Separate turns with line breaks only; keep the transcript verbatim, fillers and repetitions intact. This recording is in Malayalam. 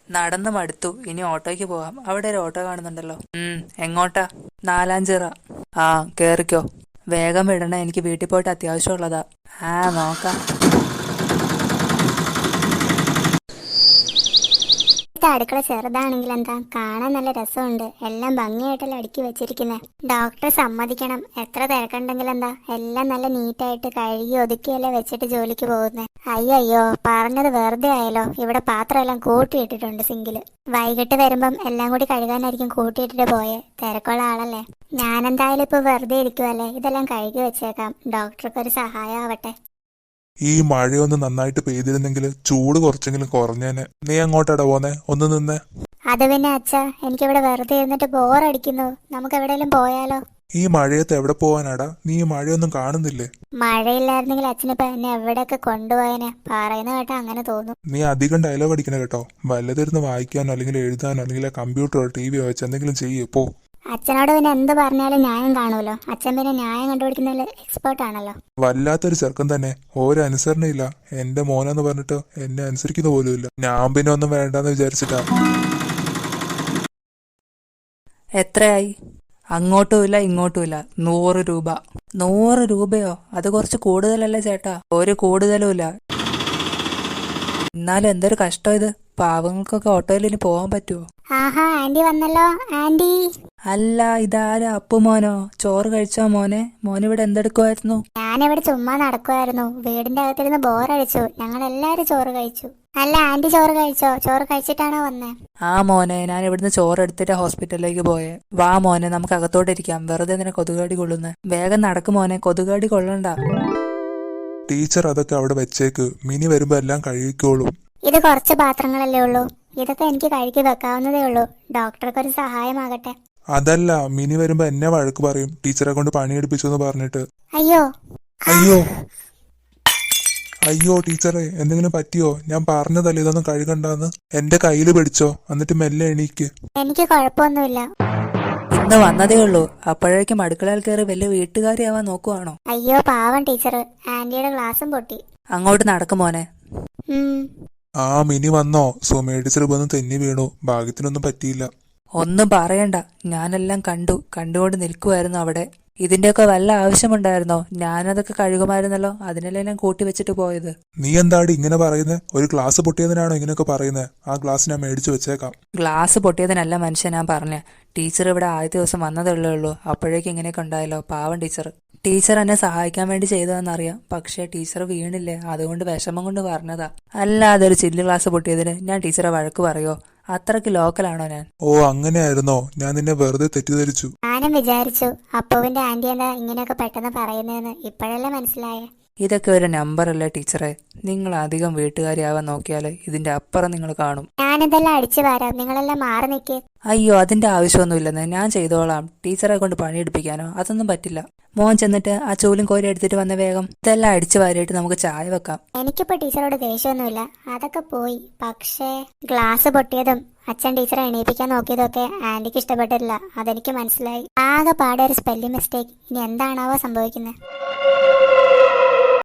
നടന്ന് മടുത്തു. ഇനി ഓട്ടോയ്ക്ക് പോവാം. അവിടെ ഒരു ഓട്ടോ കാണുന്നുണ്ടല്ലോ. ഉം എങ്ങോട്ടാ? നാലാഞ്ചിറ. ആ കേറിക്കോ. വേഗം വിടണേ, എനിക്ക് വീട്ടിൽ പോയിട്ട് അത്യാവശ്യമുള്ളതാ. ആ നോക്കാം.
അടുക്കള ചെറുതാണെങ്കിൽ എന്താ, കാണാൻ നല്ല രസമുണ്ട്. എല്ലാം ഭംഗിയായിട്ടല്ലേ അടുക്കി വെച്ചിരിക്കുന്നത്. ഡോക്ടർ സമ്മതിക്കണം, എത്ര തിരക്കുണ്ടെങ്കിൽ എന്താ, എല്ലാം നല്ല നീറ്റായിട്ട് കഴുകി ഒതുക്കിയല്ലേ വെച്ചിട്ട് ജോലിക്ക് പോകുന്നത്. അയ്യോ പറഞ്ഞത് വെറുതെ ആയല്ലോ. ഇവിടെ പാത്രം എല്ലാം കൂട്ടിയിട്ടിട്ടുണ്ട് സിങ്കില്. വൈകിട്ട് വരുമ്പം എല്ലാം കൂടി കഴുകാനായിരിക്കും കൂട്ടിയിട്ടിട്ട് പോയെ. തിരക്കുള്ള ആളല്ലേ. ഞാനെന്തായാലും ഇപ്പൊ വെറുതെ ഇരിക്കുവല്ലേ, ഇതെല്ലാം കഴുകി വെച്ചേക്കാം. ഡോക്ടർക്ക് ഒരു സഹായം ആവട്ടെ.
ഈ മഴയൊന്ന് നന്നായിട്ട് പെയ്തിരുന്നെങ്കിൽ ചൂട് കുറച്ചെങ്കിലും കുറഞ്ഞേനെ. നീ അങ്ങോട്ടാടാ പോന്നെ? ഒന്ന് നിന്നേ.
അത് പിന്നെ അച്ഛാ, എനിക്കിവിടെ വെറുതെ ഇരുന്നിട്ട് ബോറടിക്കുന്നു. നമുക്ക് എവിടെയെങ്കിലും പോയാലോ?
ഈ മഴയത്ത് എവിടെ പോവാനാടാ? നീ ഈ മഴയൊന്നും കാണുന്നില്ലേ?
മഴയില്ലായിരുന്നെങ്കിൽ അച്ഛനിപ്പോ എന്നെ എവിടെയൊക്കെ കൊണ്ടുപോയനെ. പറയുന്ന കേട്ടാ അങ്ങനെ തോന്നും.
നീ അധികം ഡയലോഗ് അടിക്കണ കേട്ടോ. വല്ലതിരുന്ന് വായിക്കാനോ അല്ലെങ്കിൽ എഴുതാനോ അല്ലെങ്കിൽ കമ്പ്യൂട്ടറോ ടി വിയോ വെച്ച് എന്തെങ്കിലും ചെയ്യേ പോ.
അച്ഛനോട് പിന്നെ എന്ത് പറഞ്ഞാലും ന്യായം കാണുമല്ലോ. അച്ഛൻ പിന്നെ ന്യായം കണ്ടുപിടിക്കുന്നതിൽ എക്സ്പേർട്ട് ആണല്ലോ.
വല്ലാത്തൊരു ചെറുക്കൻ തന്നെ. ഓരോ അനുസരണയില്ല. എന്റെ മോനെന്ന് പറഞ്ഞിട്ട് എന്നെ അനുസരിക്കുന്ന പോലും ഇല്ല. ഞാൻ പിന്നെ ഒന്നും വേണ്ടെന്ന് വിചാരിച്ചിട്ടാ.
എത്രയായി? അങ്ങോട്ടുമില്ല ഇങ്ങോട്ടുമില്ല. നൂറ് രൂപ. നൂറ് രൂപയോ? അത് കുറച്ച് കൂടുതലല്ലേ ചേട്ടാ? ഒരു കൂടുതലുമില്ല. എന്നാലും എന്തൊരു കഷ്ടം ഇത്. പാവങ്ങൾക്കൊക്കെ ഓട്ടോയിൽ ഇനി പോവാൻ പറ്റുമോ?
ആഹാ, ആന്റി വന്നല്ലോ. ആന്റി
അല്ല, ഇതാരാ? അപ്പു മോനോ? ചോറ് കഴിച്ചോ മോനെ? മോനിവിടെ എന്തെടുക്കുമായിരുന്നു?
ഞാനിവിടെ ചുമ്മാ നടക്കുമായിരുന്നു. വീടിന്റെ അകത്തിരുന്ന് ബോറടിച്ചു. ഞങ്ങൾ എല്ലാരും ചോറ് കഴിച്ചു. അല്ല ആന്റി ചോറ് കഴിച്ചോ? ചോറ് കഴിച്ചിട്ടാണോ വന്നേ?
ആ മോനെ, ഞാൻ ഇവിടുന്ന് ചോറ് എടുത്തിട്ട് ഹോസ്പിറ്റലിലേക്ക് പോയേ. വാ മോനെ, നമുക്ക് അകത്തോട്ടിരിക്കാം. വെറുതെ നിന്നെ കൊതുകാടി കൊള്ളുന്നേ. വേഗം നടക്കും മോനെ, കൊതുകാടി കൊള്ളണ്ട.
ടീച്ചർ അതൊക്കെ അവിടെ വെച്ചേക്ക്. മിനി വരുമ്പോ എല്ലാം കഴുകിക്കോളും.
ഇത് കുറച്ച് പാത്രങ്ങളല്ലേ ഉള്ളൂ. ഇതൊക്കെ എനിക്ക് കഴുകി വെക്കാവുന്നതേ ഉള്ളൂ. ഡോക്ടർക്ക് ഒരു സഹായമാകട്ടെ.
അതല്ല, മിനി വരുമ്പോ എന്നെ വഴക്ക് പറയും ടീച്ചറെ കൊണ്ട് പണിയെടുപ്പിച്ചു എന്ന് പറഞ്ഞിട്ട്.
അയ്യോ
അയ്യോ അയ്യോ ടീച്ചറെ, എന്തെങ്കിലും പറ്റിയോ? ഞാൻ പറഞ്ഞതല്ലേ ഇതൊന്നും കഴുകണ്ടെന്ന്. എന്റെ കയ്യില് പിടിച്ചോ, എന്നിട്ട് മെല്ലെ എണീക്ക്.
എനിക്ക് കുഴപ്പമൊന്നുമില്ല.
ഇന്ന് വന്നതേ ഉള്ളൂ, അപ്പോഴേക്കും അടുക്കളയിൽ കയറി വലിയ വീട്ടുകാരിയാവാൻ നോക്കുവാണോ?
അയ്യോ പാവം ടീച്ചർ. ആന്റിയുടെ ഗ്ലാസും പൊട്ടി.
അങ്ങോട്ട് നടക്കും മോനെ.
ആ മിനി വന്നോ? സുമേ ടീച്ചർ വന്ന് തെന്നി വീണു. ഭാഗ്യത്തിനൊന്നും പറ്റിയില്ല.
ഒന്നും പറയണ്ട, ഞാനെല്ലാം കണ്ടു. കണ്ടുകൊണ്ട് നിൽക്കുമായിരുന്നു അവിടെ. ഇതിന്റെയൊക്കെ വല്ല ആവശ്യമുണ്ടായിരുന്നോ? ഞാനതൊക്കെ കഴുകുമായിരുന്നല്ലോ. അതിനല്ലേ ഞാൻ കൂട്ടി വെച്ചിട്ട് പോയത്.
നീ എന്താടി ഇങ്ങനെ പറയുന്നത്? ഒരു ഗ്ലാസ് പൊട്ടിയതിനാണോ ഇങ്ങനെയൊക്കെ പറയുന്നത്? ആ ഗ്ലാസ് ഞാൻ മേടിച്ചു വെച്ചേക്കാം.
ഗ്ലാസ് പൊട്ടിയതിനല്ല മനുഷ്യൻ ഞാൻ പറഞ്ഞ. ടീച്ചർ ഇവിടെ ആദ്യത്തെ ദിവസം വന്നതേ ഉള്ളൂ. അപ്പോഴേക്കും ഇങ്ങനെയൊക്കെ ഉണ്ടായല്ലോ. പാവം ടീച്ചർ. ടീച്ചർ എന്നെ സഹായിക്കാൻ വേണ്ടി ചെയ്തതെന്നറിയാം. പക്ഷേ ടീച്ചർ വീണില്ലേ, അതുകൊണ്ട് വിഷമം കൊണ്ട് പറഞ്ഞതാ. അല്ലാതെ ഒരു ചില്ല് ഗ്ലാസ് പൊട്ടിയതിന് ഞാൻ ടീച്ചറെ വഴക്ക് പറയോ? അത്രക്ക് ലോക്കലാണോ ഞാൻ?
ഓ അങ്ങനെയായിരുന്നോ? ഞാൻ നിന്നെ വെറുതെ തെറ്റിദ്ധരിച്ചു.
ഞാനും വിചാരിച്ചു അപ്പുവിന്റെ ആന്റി എന്താ ഇങ്ങനെയൊക്കെ പെട്ടെന്ന് പറയുന്നതെന്ന്. ഇപ്പോഴല്ലേ മനസ്സിലായേ.
ഇതൊക്കെ ഒരു നമ്പറല്ലേ ടീച്ചറെ? നിങ്ങൾ അധികം വീട്ടുകാരിയാവാൻ നോക്കിയാല് ഇതിന്റെ അപ്പുറം നിങ്ങൾ കാണും.
ഞാനിതെല്ലാം അടിച്ചു വരാം, നിങ്ങളെല്ലാം മാറി നിൽക്കേ.
അയ്യോ, അതിന്റെ ആവശ്യമൊന്നുമില്ലെന്ന്. ഞാൻ ചെയ്തോളാം. ടീച്ചറെ കൊണ്ട് പണിയെടുപ്പിക്കാനോ? അതൊന്നും പറ്റില്ല. മോൻ ചെന്നിട്ട് ആ ചൂലും കോരി എടുത്തിട്ട് വന്ന വേഗം. ഇതെല്ലാം അടിച്ചു വാരിയിട്ട് നമുക്ക് ചായ വെക്കാം.
എനിക്കിപ്പോ ടീച്ചറോട് ദേഷ്യമൊന്നുമില്ല, അതൊക്കെ പോയി. പക്ഷേ ഗ്ലാസ് പൊട്ടിയതും അച്ഛൻ ടീച്ചറെ എണീപ്പിക്കാൻ നോക്കിയതൊക്കെ ആന്റിക്ക് ഇഷ്ടപ്പെട്ടില്ല. അതെനിക്ക് മനസ്സിലായി. ആകെ പാടെ ഒരു സ്പെല്ലിംഗ് മിസ്റ്റേക്ക്. ഇനി എന്താണാവോ സംഭവിക്കുന്നത്?